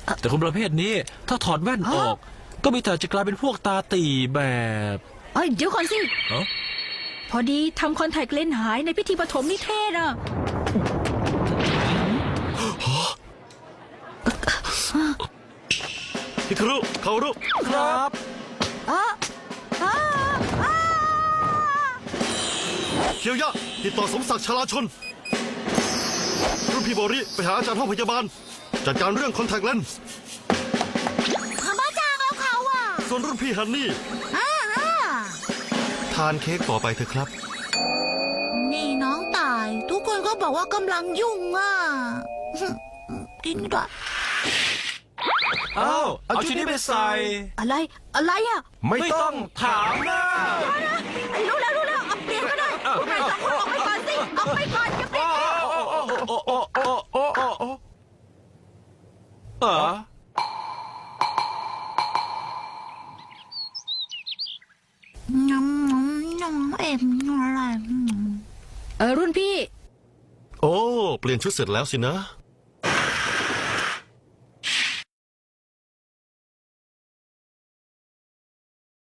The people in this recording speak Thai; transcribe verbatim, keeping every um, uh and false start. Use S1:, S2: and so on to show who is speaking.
S1: แต่คนประเภทนี้ถ้าถอดแว่นออก ก็มีแต่จะกลายเป็นพวกตาตีแบบ
S2: เอ้ยเดี๋ยวก่อนสิ
S1: เอ้า
S2: พอดีทำคอนแทคเลนส์หายในพิธีปฐมนิเทศอ่ะ
S3: ฮิคารุคารุ
S1: ครับ
S2: อ้าอ้าอ้า
S3: เคียวยะติดต่อสมศักดิ์ชลาชนรุ่นพี่โบริไปหาอาจารย์ห้องพยาบาล จัดการเรื่องคอนแทคเลนส์
S2: ขมาจางเอาเขาอ่ะ
S3: ส่วนรุ่นพี่ฮันนี่
S2: อ้าอ้า
S3: ทานเค้กต่อไปเถอะครับ
S2: นี่น้องตาย ทุกคนก็บอกว่ากำลังยุ่งอ่ะ กินด้วย
S1: เอ้าเอาชุดนี้ไปใส่
S2: อะไร อะไรอ่ะ
S1: ไม่ต้องถามนะ
S2: รู้แล้วรู้แล้วเอาเปลี่ยนก็ได้พวกนายสองคนออกไปก่อนสิออกไปก่อนอย่าเปลี่ยน
S1: โอ้โอ้โอ้โอ้โอ้โอ้เออ
S2: น้ำน้ำน้ำเอ็มอะไรเออรุ่นพี่
S3: โอ้ เปลี่ยนชุดเสร็จแล้วสินะ